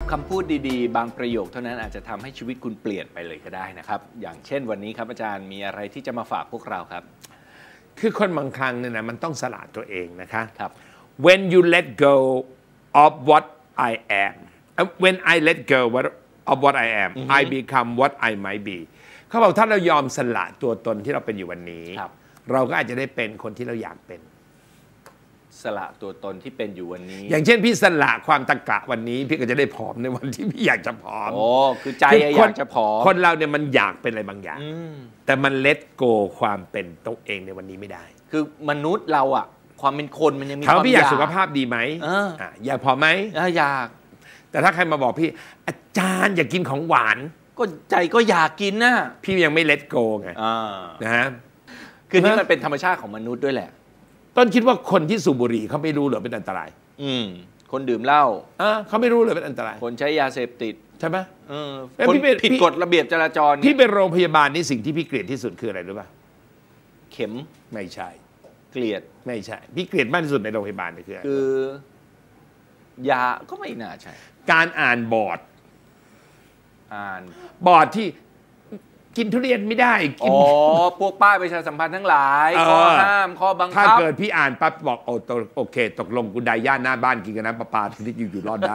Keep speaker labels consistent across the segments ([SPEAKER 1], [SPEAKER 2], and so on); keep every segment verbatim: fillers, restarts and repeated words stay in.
[SPEAKER 1] คำพูดดีๆบางประโยคเท่านั้นอาจจะทำให้ชีวิตคุณเปลี่ยนไปเลยก็ได้นะครับอย่างเช่นวันนี้ครับอาจารย์มีอะไรที่จะมาฝากพวกเราครับ
[SPEAKER 2] คือคนบางครั้งเนี่ยนะมันต้องสละตัวเองนะคะ
[SPEAKER 1] ครับ
[SPEAKER 2] when you let go of what I am when I let go of what I am I become what I might be เขาบอกถ้าเรายอมสละตัวตนที่เราเป็นอยู่วันนี้เราก็อาจจะได้เป็นคนที่เราอยากเป็น
[SPEAKER 1] สละตัวตนที่เป็นอยู่วันนี้
[SPEAKER 2] อย่างเช่นพี่สละความตะกะวันนี้พี่ก็จะได้ผอมในวันที่พี่อยากจะผอม
[SPEAKER 1] โอ้คือใจอยากจะผอม
[SPEAKER 2] คนเราเนี่ยมันอยากเป็นอะไรบางอย่างแต่มัน let go ความเป็นตัวเองในวันนี้ไม่ได้
[SPEAKER 1] คือมนุษย์เราอะความเป็นคนมันยังมี
[SPEAKER 2] ความอยากพี่อยากสุขภาพดีไหมอยากผอมไหม
[SPEAKER 1] อยาก
[SPEAKER 2] แต่ถ้าใครมาบอกพี่อาจารย์อยากกินของหวาน
[SPEAKER 1] ก็ใจก็อยากกินนะ
[SPEAKER 2] พี่ยังไม่ let go ไงนะฮะ
[SPEAKER 1] คือนี่มันเป็นธรรมชาติของมนุษย์ด้วยแหละ
[SPEAKER 2] ต้นคิดว่าคนที่สูบบุหรี่เขาไม่รู้หรือเป็นอันตราย
[SPEAKER 1] อืมคนดื่มเหล้า
[SPEAKER 2] อ่าเขาไม่รู้เลยเป็นอันตราย
[SPEAKER 1] คนใช้ยาเสพติด
[SPEAKER 2] ใช่ไหม
[SPEAKER 1] เออคนผิดกฎระเบียบจราจร
[SPEAKER 2] พี่เป็นโรงพยาบาลนี่สิ่งที่พี่เกลียดที่สุดคืออะไรรู้ป่ะ
[SPEAKER 1] เข็ม
[SPEAKER 2] ไม่ใช่
[SPEAKER 1] เกลียด
[SPEAKER 2] ไม่ใช่พี่เกลียดมากที่สุดในโรงพยาบาลนี่คืออะไร
[SPEAKER 1] คือยาก็ไม่น่าใช่
[SPEAKER 2] การอ่านบอร์ด
[SPEAKER 1] อ่าน
[SPEAKER 2] บอร์ดที่กินทุเรียนไม่ได้
[SPEAKER 1] อ๋อพวกป้ายประชาสัมพันธ์ทั้งหลายข้อห้ามข้อบังคับ
[SPEAKER 2] ถ้าเกิดพี่อ่านปั๊บบอกโอ้โอเคตกลงกูได้ย่าหน้าบ้านกินกันน้ำประปาที่อยู่อยู่รอดได้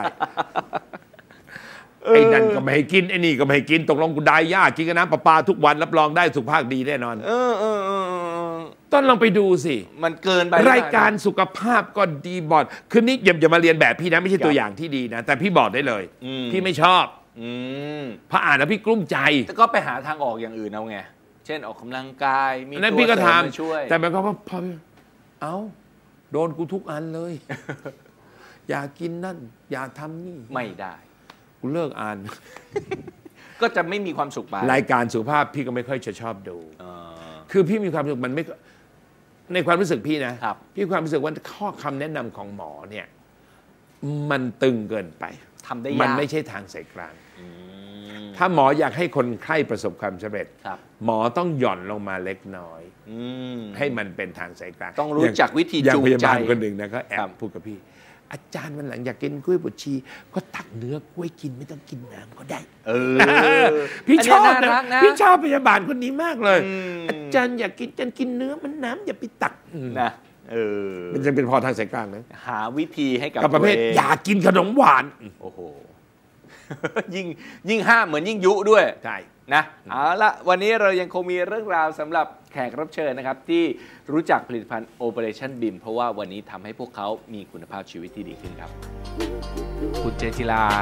[SPEAKER 2] ไอ้นั่นก็ไม่ให้กินไอ้นี่ก็ไม่ให้กินตกลงกูได้ย่ากินกันน้ำประปาทุกวันรับรองได้สุขภาพดีแน่นอน
[SPEAKER 1] เออเออเออ
[SPEAKER 2] ต้นลองไปดูสิ
[SPEAKER 1] มันเกินไป
[SPEAKER 2] รายการสุขภาพก็ดีบอร์ดคือนี่อย่าอย่ามาเรียนแบบพี่นะไม่ใช่ตัวอย่างที่ดีนะแต่พี่บอกได้เลยพี่ไม่ชอบพออ่านแล้วพี่กลุ้มใจ
[SPEAKER 1] แต่ก็ไปหาทางออกอย่างอื่นเอาไงเช่นออกกำลังกายมี
[SPEAKER 2] ตัวเสริมมาช่วยแต่มันก็พอเอ้าโดนกูทุกอันเลย อย่ากินนั่นอย่าทำนี่
[SPEAKER 1] ไม่ได้
[SPEAKER 2] กูเลิกอ่าน
[SPEAKER 1] ก็จะไม่มีความสุขไป
[SPEAKER 2] รายการสุขภาพพี่ก็ไม่ค่อยจะชอบดูคือพี่มีความสุขมันไม่ในความรู้สึกพี่นะพี่ความรู้สึกว่าข้อคำแนะนำของหมอเนี่ยมันตึงเกินไป
[SPEAKER 1] ทำได้ยาก
[SPEAKER 2] มันไม่ใช่ทางสายกลางถ้าหมออยากให้คนไข้ประสบความสำเร็จหมอต้องหย่อนลงมาเล็กน้อยให้มันเป็นทางสายกลาง
[SPEAKER 1] ต้องรู้จักวิธีจูงใจ
[SPEAKER 2] อย่างพยาบาลคนหนึ่งนะก็แอบพูดกับพี่อาจารย์วันหลังอยากกินกล้วยบดชีก็ตักเนื้อกล้วยกินไม่ต้องกินน้ำก็ได้เออพี่ชอบนะพี่ชอบพยาบาลคนนี้มากเลยอาจารย์อยากกินอาจารย์กินเนื้อมันน้ำอย่าไปตัก
[SPEAKER 1] นะเออ
[SPEAKER 2] มันจะเป็นพอทางสายกลางนะ
[SPEAKER 1] หาวิธีให้กับ
[SPEAKER 2] ประเภทอยากกินขนมหวาน
[SPEAKER 1] โอ้โหยิ่งยิ่งห้ามเหมือนยิ่งยุด้วย
[SPEAKER 2] ใช่
[SPEAKER 1] นะเอาละวันนี้เรายังคงมีเรื่องราวสำหรับแขกรับเชิญนะครับที่รู้จักผลิตภัณฑ์ Operation บี เอ็ม เพราะว่าวันนี้ทำให้พวกเขามีคุณภาพชีวิตที่ดีขึ้นครับคุณเจจิลา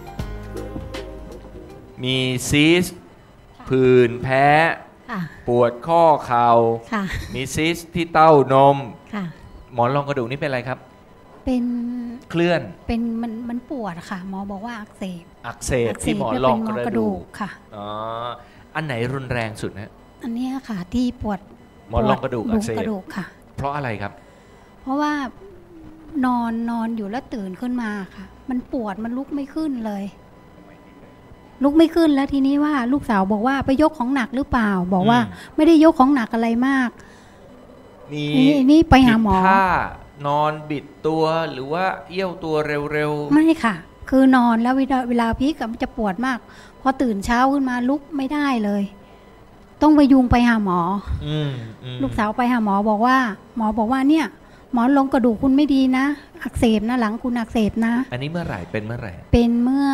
[SPEAKER 1] มีซีสผื่นแพ้ปวดข้อเข่ามีซีสที่เต้านมหมอนรองกระดูกนี่เป็นอะไรครับ
[SPEAKER 3] เป็น
[SPEAKER 1] เคลื่อน
[SPEAKER 3] เป็นมันมันปวดค่ะหมอบอกว่าอักเสบ
[SPEAKER 1] อักเสบที่หมอนรองกระดูก
[SPEAKER 3] ค่ะ
[SPEAKER 1] อ๋ออันไหนรุนแรงสุดฮะ
[SPEAKER 3] อันนี้ค่ะที่ปวด
[SPEAKER 1] หมอนรองกระดูกอักเสบ
[SPEAKER 3] ค่ะ
[SPEAKER 1] เพราะอะไรครับ
[SPEAKER 3] เพราะว่านอนนอนอยู่แล้วตื่นขึ้นมาค่ะมันปวดมันลุกไม่ขึ้นเลยลุกไม่ขึ้นแล้วทีนี้ว่าลูกสาวบอกว่าไปยกของหนักหรือเปล่าบอกว่าไม่ได้ยกของหนักอะไรมาก
[SPEAKER 1] นี่
[SPEAKER 3] นี่ไปหาหม
[SPEAKER 1] อนอนบิดตัวหรือว่าเอี้ยวตัวเร็ว
[SPEAKER 3] ๆไม่ค่ะคือนอนแล้วเวลาเวลาพีกมันจะปวดมากพอตื่นเช้าขึ้นมาลุกไม่ได้เลยต้องไปยุงไปหาหมอลูกสาวไปหาหมอบอกว่าหมอบอกว่าเนี่ยหมอนรองกระดูกคุณไม่ดีนะอักเสบนะหลังคุณอักเสบนะ
[SPEAKER 1] อันนี้เมื่อไหร่เป็นเมื่อไหร่
[SPEAKER 3] เป็นเมื่อ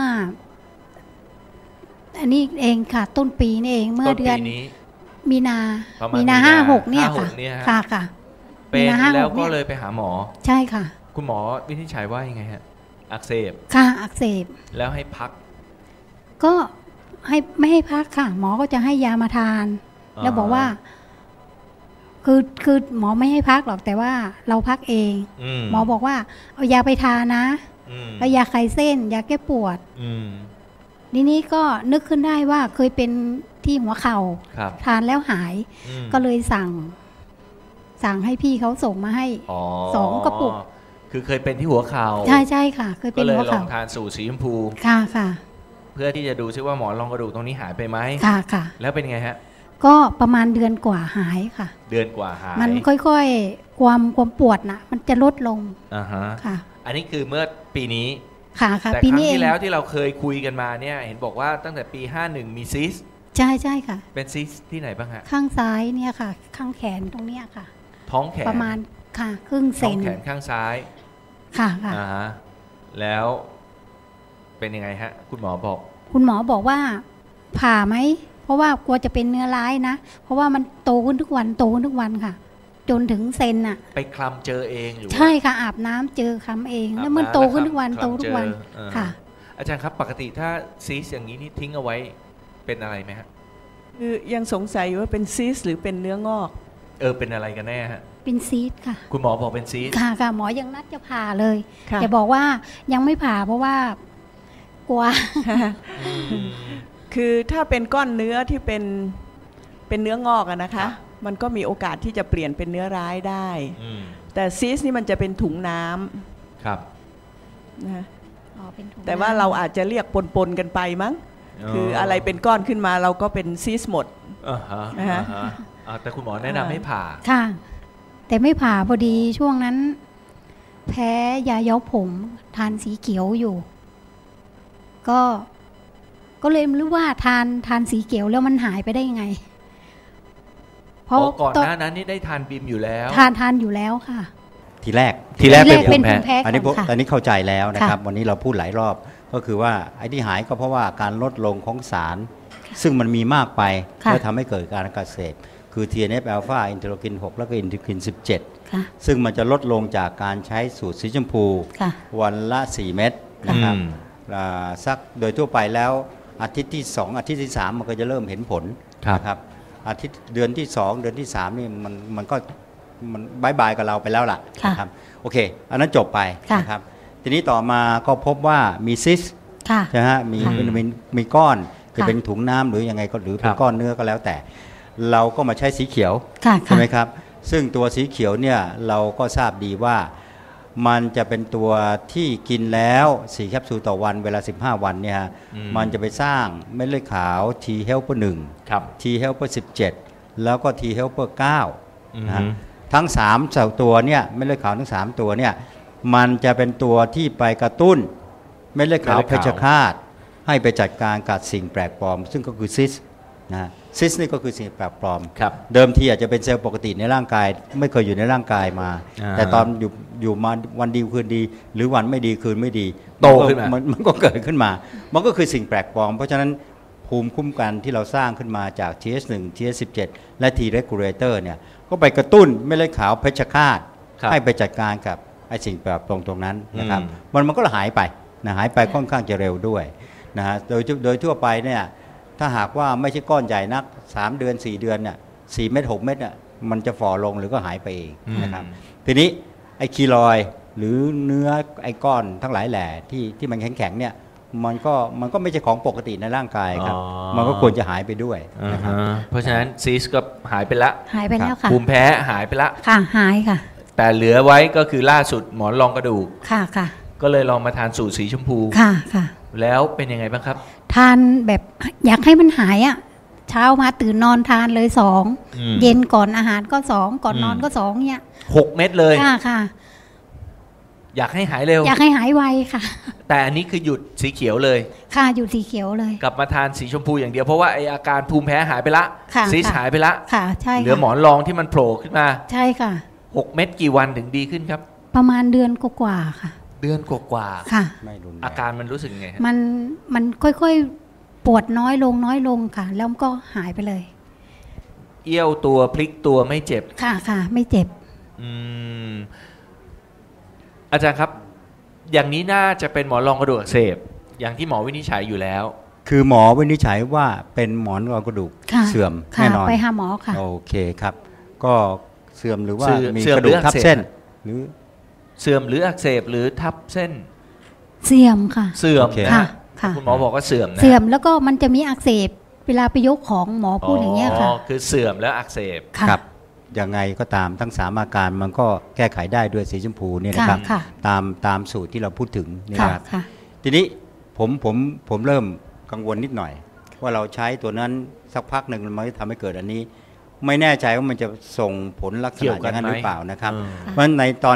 [SPEAKER 3] อันนี้เองค่ะต้นปีนี่เองเมื่อเดือนมีนามีนาห้าหกเนี่ยค่ะค่ะค่ะ
[SPEAKER 1] เป็นแล้วก็เลยไปหาหมอ
[SPEAKER 3] ใช่ค่ะ
[SPEAKER 1] คุณหมอวินิจฉัยว่ายังไงฮะอักเสบ
[SPEAKER 3] ค่ะอักเสบ
[SPEAKER 1] แล้วให้พัก
[SPEAKER 3] ก็ให้ไม่ให้พักค่ะหมอก็จะให้ยามาทานแล้วบอกว่าคือคือหมอไม่ให้พักหรอกแต่ว่าเราพักเองหมอบอกว่าเอายาไปทานนะแล้วยาคลายเส้นยาแก้ปวดทีนี้ก็นึกขึ้นได้ว่าเคยเป็นที่หัวเข่าทานแล้วหายก็เลยสั่งสั่งให้พี่เขาส่งมาให้สองกระปุก
[SPEAKER 1] คือเคยเป็นที่หัวเข่า
[SPEAKER 3] ใช่ใช่ค่ะเคยเป็นหัวเข่า
[SPEAKER 1] ก็เลยลองทานสูตรสีชมพู
[SPEAKER 3] ค่ะค่ะ
[SPEAKER 1] เพื่อที่จะดูซิว่าหมอนรองกระดูกตรงนี้หายไปไหม
[SPEAKER 3] ค่ะค่ะ
[SPEAKER 1] แล้วเป็นไงฮะ
[SPEAKER 3] ก็ประมาณเดือนกว่าหายค่ะ
[SPEAKER 1] เดือนกว่าหาย
[SPEAKER 3] มันค่อยๆความความปวดนะมันจะลดลง
[SPEAKER 1] อ่าฮะ
[SPEAKER 3] ค่ะ
[SPEAKER 1] อันนี้คือเมื่อปีนี้
[SPEAKER 3] ค่ะค่ะ
[SPEAKER 1] แต่
[SPEAKER 3] ปี
[SPEAKER 1] ครั้ง
[SPEAKER 3] นี้เอ
[SPEAKER 1] ที่
[SPEAKER 3] ง
[SPEAKER 1] แล้วที่เราเคยคุยกันมาเนี่ยเห็นบอกว่าตั้งแต่ปีห้าสิบเอ็ดมีซิส
[SPEAKER 3] ใช่ใช่ค่ะ
[SPEAKER 1] เป็นซิสที่ไหนบ้างฮะ
[SPEAKER 3] ข้างซ้ายเนี่ยค่ะ ข้างแขนตรงเนี้ยค่ะ
[SPEAKER 1] ท้องแขน
[SPEAKER 3] ประมาณค่ะครึ่งเซ
[SPEAKER 1] ท้อง
[SPEAKER 3] น
[SPEAKER 1] แขนข้างซ้าย
[SPEAKER 3] ค่ะค่ะ
[SPEAKER 1] อ่าฮะแล้วเป็นยังไงฮะคุณหมอบอก
[SPEAKER 3] คุณหมอบอกว่าผ่าไหมเพราะว่ากลัวจะเป็นเนื้อร้ายนะเพราะว่ามันโตขึ้นทุกวันโตขึ้นทุกวันค่ะ จนถึงเซนอ่ะ
[SPEAKER 1] ไปคลำเจอเองหรือว่า
[SPEAKER 3] ใช่ค่ะอาบน้ำเจอคำเอง
[SPEAKER 1] อาบ
[SPEAKER 3] แล้วมัน
[SPEAKER 1] น้ำ
[SPEAKER 3] โตขึ้น
[SPEAKER 1] แล้ว
[SPEAKER 3] ทุกวัน
[SPEAKER 1] คลำ
[SPEAKER 3] โตทุกวัน
[SPEAKER 1] เจอเออ
[SPEAKER 3] ค่ะ
[SPEAKER 1] อาจารย์ครับปกติถ้าซีสอย่างนี้นี่ทิ้งเอาไว้เป็นอะไรไหมฮะ
[SPEAKER 4] คือยังสงสัยอยู่ว่าเป็นซีสหรือเป็นเนื้องอก
[SPEAKER 1] เออเป็นอะไรกันแน่ฮะ
[SPEAKER 3] เป็นซีดค่ะ
[SPEAKER 1] คุณหมอบอกเป็นซีส
[SPEAKER 3] ค่ะค่ะหมอยังนัดจะผ่าเลย
[SPEAKER 4] ค่ะ
[SPEAKER 3] แต่บอกว่ายังไม่ผ่าเพราะว่ากลัว
[SPEAKER 4] คือถ้าเป็นก้อนเนื้อที่เป็นเป็นเนื้องอกอะนะคะ มันก็มีโอกาสที่จะเปลี่ยนเป็นเนื้อร้ายได้
[SPEAKER 1] อืม
[SPEAKER 4] แต่ซีสนี่มันจะเป็นถุงน้ำ
[SPEAKER 1] ครับ
[SPEAKER 4] นะคะ
[SPEAKER 3] อ๋อเป็นถุง
[SPEAKER 4] แต่ว่า
[SPEAKER 3] น้ำ
[SPEAKER 4] เราอาจจะเรียกปนๆกันไปมั้ง คืออะไรเป็นก้อนขึ้นมาเราก็เป็นซีสหมด
[SPEAKER 1] อ่าฮะ
[SPEAKER 4] นะฮะ
[SPEAKER 1] อ่าฮะอ่าแต่คุณหมอแนะนำให้ผ่า
[SPEAKER 3] ค่ะ แต่ไม่ผ่าพอดีช่วงนั้น แพ้ยาย้อมผมทานสีเขียวอยู่ ก็ ก็เลยไม่รู้ว่าทานทานสีเขียวแล้วมันหายไปได้ยังไง เพราะ
[SPEAKER 1] อ๋อก่อน
[SPEAKER 3] ต
[SPEAKER 1] หน้านั้นนี่ได้ทานบิมอยู่แล้ว
[SPEAKER 3] ทานทานอยู่แล้วค่ะ
[SPEAKER 5] ทีแรก
[SPEAKER 1] ทีแรกเป็น
[SPEAKER 3] เป็น
[SPEAKER 1] ภู
[SPEAKER 3] ภู
[SPEAKER 1] มิ
[SPEAKER 3] มิ
[SPEAKER 1] แพ้
[SPEAKER 3] แพ้
[SPEAKER 5] อันนี้
[SPEAKER 3] ก่อนค่ะ
[SPEAKER 5] ตอนนี้เข้าใจแล้วนะครับ
[SPEAKER 3] ค่ะ
[SPEAKER 5] วันนี้เราพูดหลายรอบก็คือว่าไอ้ที่หายก็เพราะว่าการลดลงของสาร ซึ่งมันมีมากไป
[SPEAKER 3] ค่ะ
[SPEAKER 5] แล้วทำให้เกิดการอักเสบคือ ที เอ็น เอฟ อลฟา อินเทอร์โลคิน หก แล้วก็อินเทอร์โลคิน สิบเจ็ด
[SPEAKER 3] ค่ะ
[SPEAKER 5] ซึ่งมันจะลดลงจากการใช้สูตรสีชมพู
[SPEAKER 3] ค่ะ
[SPEAKER 5] วันละ สี่ เม็ดนะครับ
[SPEAKER 1] อืม
[SPEAKER 5] อ่าสักโดยทั่วไปแล้วอาทิตย์ที่ สอง อาทิตย์ที่ สาม มันก็จะเริ่มเห็นผล
[SPEAKER 1] ครับ
[SPEAKER 5] นะครับอาทิตย์เดือนที่ สอง เดือนที่ สามนี่มันมันก็มันบายบายกับเราไปแล้วล่ะ
[SPEAKER 3] ค่ะ
[SPEAKER 5] นะครับโอเค อันนั้นจบไป
[SPEAKER 3] ค่ะ
[SPEAKER 5] นะครับทีนี้ต่อมาก็พบว่ามีซิส
[SPEAKER 3] ค่ะ
[SPEAKER 5] ใช่ไหมฮะมี
[SPEAKER 3] ค่ะ
[SPEAKER 5] เป็นมีมีก้อนจะ
[SPEAKER 3] ค่ะ
[SPEAKER 5] เป็นถุงน้ำหรือยังไงก็หรือเป็
[SPEAKER 1] ครั
[SPEAKER 5] น
[SPEAKER 1] บ
[SPEAKER 5] ก้อนเนื้อก็แล้วแต่ เราก็มาใช้สีเขียว
[SPEAKER 3] ค่ะ
[SPEAKER 5] ใช่ไหมครับ ซึ่งตัวสีเขียวเนี่ยเราก็ทราบดีว่ามันจะเป็นตัวที่กินแล้วสี่แคปซูลต่อวันเวลาสิบห้าวันเนี่ยฮะ
[SPEAKER 1] อืม
[SPEAKER 5] มันจะไปสร้างเม็ดเลือดขาว T helper หนึ่ง
[SPEAKER 1] ครับ
[SPEAKER 5] T helper สิบเจ็ด แล้วก็ T helper เก้า
[SPEAKER 1] อืม
[SPEAKER 5] นะฮะทั้งสามตัวเนี่ยเม็ดเลือดขาวทั้งสามตัวเนี่ยมันจะเป็นตัวที่ไปกระตุ้นเม็ดเลือดขาว
[SPEAKER 1] เม็ด
[SPEAKER 5] เพ
[SPEAKER 1] เลือด
[SPEAKER 5] ชฌ
[SPEAKER 1] ขาว
[SPEAKER 5] ฆาตให้ไปจัดการกับสิ่งแปลกปลอม ซึ่งก็คือซิสนะฮะซิสนี่ก็คือสิ่งแปลกปลอม
[SPEAKER 1] ครับ
[SPEAKER 5] เดิมทีอาจจะเป็นเซลล์ปกติในร่างกาย ไม่เคยอยู่ในร่างกายมา
[SPEAKER 1] อ่า
[SPEAKER 5] แต่ตอนอยู่อยู่มาวันดีคืนดี หรือวันไม่ดีคืนไม่ดี
[SPEAKER 1] โตขึ้นมา
[SPEAKER 5] นมันก็เกิดขึ้นมา มันก็คือสิ่งแปลกปลอม เพราะฉะนั้นภูมิคุ้มกันที่เราสร้างขึ้นมาจาก ที เอช หนึ่ง ที เอช สิบเจ็ด และ T regulator เนี่ยก็ไปกระตุ้นเม็ดเลือดขาวเพชฌฆาต
[SPEAKER 1] ครับ
[SPEAKER 5] ให้ไปจัดการกับไอ้สิ่งแปลกปลอมตรงนั้นนะครับ
[SPEAKER 1] อืม
[SPEAKER 5] มันมันก็หายไปนะหายไปค่อนข้างจะเร็วด้วยนะฮะโดยโดยทั่วไปเนี่ยถ้าหากว่าไม่ใช่ก้อนใหญ่นักสามเดือนสี่เดือนเนี่ยสี่เม็ดหกเม็ดเนี่ยมันจะฝ่อลงหรือก็หายไปเองนะครับทีนี้ไอ้คีลอยด์หรือเนื้อไอ้ก้อนทั้งหลายแหล่ที่ที่มันแข็งๆเนี่ยมันก็มันก็ไม่ใช่ของปกติในร่างกายครับ
[SPEAKER 1] อ๋อ
[SPEAKER 5] มันก็ควรจะหายไปด้วย
[SPEAKER 1] อ่า
[SPEAKER 5] นะครับ
[SPEAKER 1] ฮะเพราะฉะนั้นซีสก็หายไปละ
[SPEAKER 3] หายไปแล้วค่ะ
[SPEAKER 1] ภูมิแพ้หายไปละ
[SPEAKER 3] ค่ะหายค่ะ
[SPEAKER 1] แต่เหลือไว้ก็คือล่าสุดหมอนรองกระดูก
[SPEAKER 3] ค่ะค่ะ
[SPEAKER 1] ก็เลยลองมาทานสูตรสีชมพู
[SPEAKER 3] ค่ะค่ะ
[SPEAKER 1] แล้วเป็นยังไงบ้างครับ
[SPEAKER 3] ทานแบบอยากให้มันหายอ่ะ เช้ามาตื่นนอนทานเลยสอง
[SPEAKER 1] อืม
[SPEAKER 3] เย็นก่อนอาหารก็สองก่อนนอน
[SPEAKER 1] อืม
[SPEAKER 3] ก็สองเนี่ย
[SPEAKER 1] หกเม็ดเลย
[SPEAKER 3] ค่ะค่ะ
[SPEAKER 1] อยากให้หายเร็ว
[SPEAKER 3] อยากให้หายไวค่ะ
[SPEAKER 1] แต่อันนี้คือหยุดสีเขียวเลย
[SPEAKER 3] ค่ะอยู่สีเขียวเลย
[SPEAKER 1] กลับมาทานสีชมพูอย่างเดียวเพราะว่าไออาการภูมิแพ้หายไปละ
[SPEAKER 3] ค่ะ
[SPEAKER 1] ซีส
[SPEAKER 3] ค่ะ
[SPEAKER 1] หายไปละ
[SPEAKER 3] ค่ะ ใช่
[SPEAKER 1] เหลือ
[SPEAKER 3] ค่ะ
[SPEAKER 1] หมอนรองที่มันโผล่ขึ้นมา
[SPEAKER 3] ใช่ค่ะ
[SPEAKER 1] หกเม็ดกี่วันถึงดีขึ้นครับ
[SPEAKER 3] ประมาณเดือนกว่าๆค่ะ
[SPEAKER 1] เดือนกว่า
[SPEAKER 3] ค่ะ
[SPEAKER 5] ไม่รุนแรง
[SPEAKER 1] ๆอาการมันรู้สึกไงฮะ
[SPEAKER 3] มันมันค่อยๆปวดน้อยลงน้อยลงค่ะ แล้วมันก็หายไปเลย
[SPEAKER 1] เอี้ยวตัวพลิกตัวไม่เจ็บ
[SPEAKER 3] ค่ะค่ะ ไม่เจ็บ
[SPEAKER 1] อืมอาจารย์ครับ อย่างนี้น่าจะเป็นหมอนรองกระดูกอักเสบอย่างที่หมอวินิจฉัยอยู่แล้ว
[SPEAKER 5] คือหมอวินิจฉัยว่าเป็นหมอนรองกระดูก
[SPEAKER 3] ค่ะ
[SPEAKER 5] เสื่อม
[SPEAKER 3] ค่ะ
[SPEAKER 5] แน่นอน
[SPEAKER 3] ไปหาหมอค่ะ
[SPEAKER 5] โอเคครับ ก็เสื่อมหรือว่า
[SPEAKER 1] เสื่อม
[SPEAKER 5] มี
[SPEAKER 1] เสื่อม
[SPEAKER 5] กระดูก
[SPEAKER 1] หรืออัก
[SPEAKER 5] ทับ
[SPEAKER 1] เสบ
[SPEAKER 5] เส้น หรือ
[SPEAKER 1] เสื่อมหรืออักเสบหรือทับเส้น
[SPEAKER 3] เสื่อมค่ะ
[SPEAKER 1] เสื่อม
[SPEAKER 5] โอเค
[SPEAKER 1] นะ
[SPEAKER 3] ค่ะ
[SPEAKER 1] ฮะ
[SPEAKER 3] ค่ะ
[SPEAKER 1] คุณหมอบอกว่าเสื่อมนะ
[SPEAKER 3] เสื่อมแล้วก็มันจะมีอักเสบเวลาไปยกของหมอพูดอย่างเงี้ยค่ะ
[SPEAKER 1] คือเสื่อมแล้วอักเสบ
[SPEAKER 3] ค่ะ
[SPEAKER 5] ครับยังไงก็ตามทั้งสามอาการมันก็แก้ไขได้ด้วยสีชมพูเนี่ยนะครับ
[SPEAKER 3] ค่ะ
[SPEAKER 5] ตามตามสูตรที่เราพูดถึงนี่
[SPEAKER 3] ค่ะ
[SPEAKER 5] นะครับ
[SPEAKER 3] ค่ะ
[SPEAKER 5] ทีนี้ผมผมผมเริ่มกังวลนิดหน่อย ว่าเราใช้ตัวนั้นสักพักหนึ่งมันจะทำให้เกิดอันนี้ ไม่แน่ใจว่ามันจะส่งผลลักษ
[SPEAKER 1] เกี่ย
[SPEAKER 5] ณะ
[SPEAKER 1] ว
[SPEAKER 5] อ
[SPEAKER 1] กัน
[SPEAKER 5] ย่างนั้น
[SPEAKER 1] ไหม
[SPEAKER 5] หรือเปล่านะครับ
[SPEAKER 1] อืม
[SPEAKER 5] เพราะฉะนั้นในตอนเนี้ย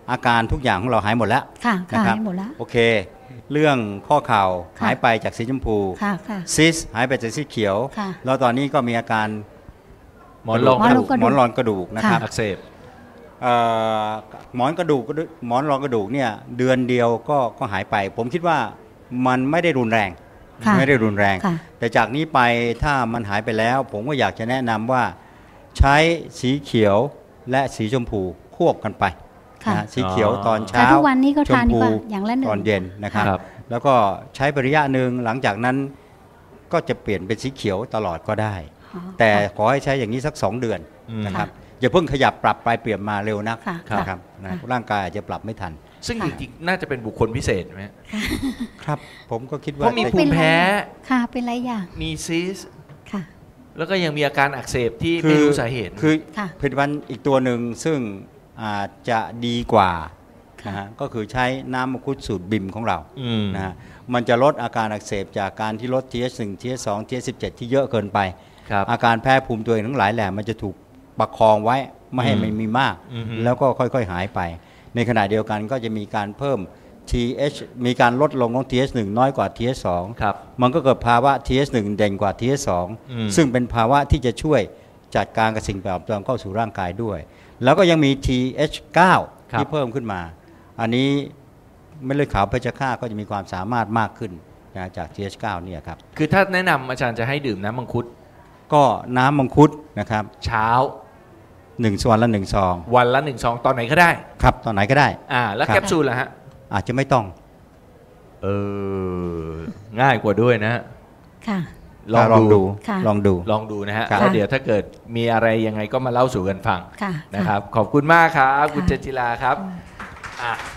[SPEAKER 5] อาการทุกอย่างของเราหายหมดแล้ว
[SPEAKER 3] ค่ะ
[SPEAKER 5] นะ
[SPEAKER 3] ค่ะ
[SPEAKER 5] ครับ
[SPEAKER 3] ให้หมดแล้ว
[SPEAKER 5] โอเค เรื่องข้อเข่า
[SPEAKER 3] ค่ะ
[SPEAKER 5] หายไปจากสีชมพู
[SPEAKER 3] ค่ะค่ะ
[SPEAKER 5] ซิสหายไปจากสีเขียว
[SPEAKER 3] ค่ะ
[SPEAKER 5] แล้วตอนนี้ก็มีอาการ
[SPEAKER 1] หมอนรอง
[SPEAKER 3] หมอนรองกระดูก
[SPEAKER 5] หมอนรองกระดูกนะครับ
[SPEAKER 1] อักเสบ
[SPEAKER 5] เอ่อหมอนกระดูกหมอนรองกระดูกเนี่ยเดือนเดียวก็ก็หายไป ผมคิดว่ามันไม่ได้รุนแรง
[SPEAKER 3] ค่ะ
[SPEAKER 5] ไม่ได้รุนแรง
[SPEAKER 3] ค่ะ
[SPEAKER 5] แต่จากนี้ไปถ้ามันหายไปแล้ว ผมก็อยากจะแนะนำว่าใช้สีเขียวและสีชมพูควบกันไป
[SPEAKER 3] ค่ะ
[SPEAKER 5] นะฮะสีเขียวตอน
[SPEAKER 3] แต่
[SPEAKER 5] เช้า
[SPEAKER 3] ทุกวันนี้ก็
[SPEAKER 5] ช
[SPEAKER 3] ทาม นดี
[SPEAKER 5] พู
[SPEAKER 3] กว่าอย่างละหนึ่ง
[SPEAKER 5] ตอนเย็นนะครับ
[SPEAKER 1] ครับ
[SPEAKER 5] แล้วก็ใช้ไประยะหนึ่งหลังจากนั้นก็จะเปลี่ยนเป็นสีเขียวตลอดก็ได้
[SPEAKER 3] อ๋อ
[SPEAKER 5] แต่ขอให้ใช้อย่างนี้สักสองเดือน
[SPEAKER 1] อืม
[SPEAKER 5] นะครับอย่าเพิ่งขยับปรับไปเปลี่ยนมาเร็วนัก
[SPEAKER 3] ค่ะ
[SPEAKER 5] นะครับนะร่างกายอาจจะปรับไม่ทัน
[SPEAKER 1] ซึ่งจริงๆน่าจะเป็นบุคคลพิเศษไหม
[SPEAKER 5] ครับ ผมก็คิด
[SPEAKER 1] เพ
[SPEAKER 5] ว่า
[SPEAKER 1] ราะมี
[SPEAKER 5] แต่
[SPEAKER 1] ภูมิแพ้
[SPEAKER 3] ค่ะเป็นหลายอย่าง
[SPEAKER 1] มีซิส
[SPEAKER 3] ค่ะ
[SPEAKER 1] แล้วก็ยังมีอาการอักเสบที่
[SPEAKER 5] คื
[SPEAKER 1] ไม่รู้สาเหตุ
[SPEAKER 5] คือ
[SPEAKER 3] ค่ะ
[SPEAKER 5] ผลิตภัณฑ์อีกตัวหนึ่งซึ่งอาจจะดีกว่านะฮะก็คือใช้น้ำมังคุดสูตรบิมของเรา
[SPEAKER 1] อืม
[SPEAKER 5] นะฮะมันจะลดอาการอักเสบจากการที่ลด ที เอช หนึ่ง ที เอช สอง ที เอช สิบเจ็ด ที่เยอะเกินไป
[SPEAKER 1] ครับ
[SPEAKER 5] อาการแพ้ภูมิตัวเองทั้งหลายแหละมันจะถูกประคองไว้ไม่ให้
[SPEAKER 1] อืม
[SPEAKER 5] มันมีมาก
[SPEAKER 1] อือฮึ
[SPEAKER 5] แล้วก็ค่อยๆหายไป ในขณะเดียวกันก็จะมีการเพิ่ม ที เอช มีการลดลงของ ที เอช หนึ่ง น้อยกว่า ที เอช สอง
[SPEAKER 1] ครับ
[SPEAKER 5] มันก็เกิดภาวะ ที เอช หนึ่ง เด่นกว่า ที เอช สอง
[SPEAKER 1] อืม
[SPEAKER 5] ซึ่งเป็นภาวะที่จะช่วยจัดการกับสิ่งแปลกปลอมเข้าสู่ร่างกายด้วย แล้วก็ยังมี ที เอช เก้า
[SPEAKER 1] ครับ
[SPEAKER 5] ที่เพิ่มขึ้นมา อันนี้เม็ดเลือดขาวเพชฌฆาตก็จะมีความสามารถมากขึ้นนะจาก ที เอช เก้า เนี่ยครับ
[SPEAKER 1] คือถ้าแนะนำอาจารย์จะให้ดื่มน้ำมังคุด
[SPEAKER 5] ก็น้ำมังคุดนะครับ
[SPEAKER 1] เช้า
[SPEAKER 5] หนึ่งส่วนละหนึ่งซอง
[SPEAKER 1] วันละหนึ่งซองตอนไหนก็ได้
[SPEAKER 5] ครับตอนไหนก็ได้
[SPEAKER 1] อ่า แล้ว
[SPEAKER 5] ครับ
[SPEAKER 1] แคปซูลล่ะฮะ
[SPEAKER 5] อาจจะไม่ต้อง
[SPEAKER 1] เออ ง่ายกว่าด้วยนะฮะ
[SPEAKER 3] ค่ะ
[SPEAKER 1] ลอง
[SPEAKER 5] ลอง
[SPEAKER 1] ดู
[SPEAKER 5] ดู
[SPEAKER 3] ค่ะ
[SPEAKER 5] ลองดู
[SPEAKER 1] ลองดูนะฮะ
[SPEAKER 5] ครับ
[SPEAKER 1] แล้วเดี๋ยวถ้าเกิดมีอะไรยังไงก็มาเล่าสู่กันฟัง
[SPEAKER 3] ค่ะ
[SPEAKER 1] นะครับ ขอบคุณมากครับ คุณเจนจิลาครับอ่ะ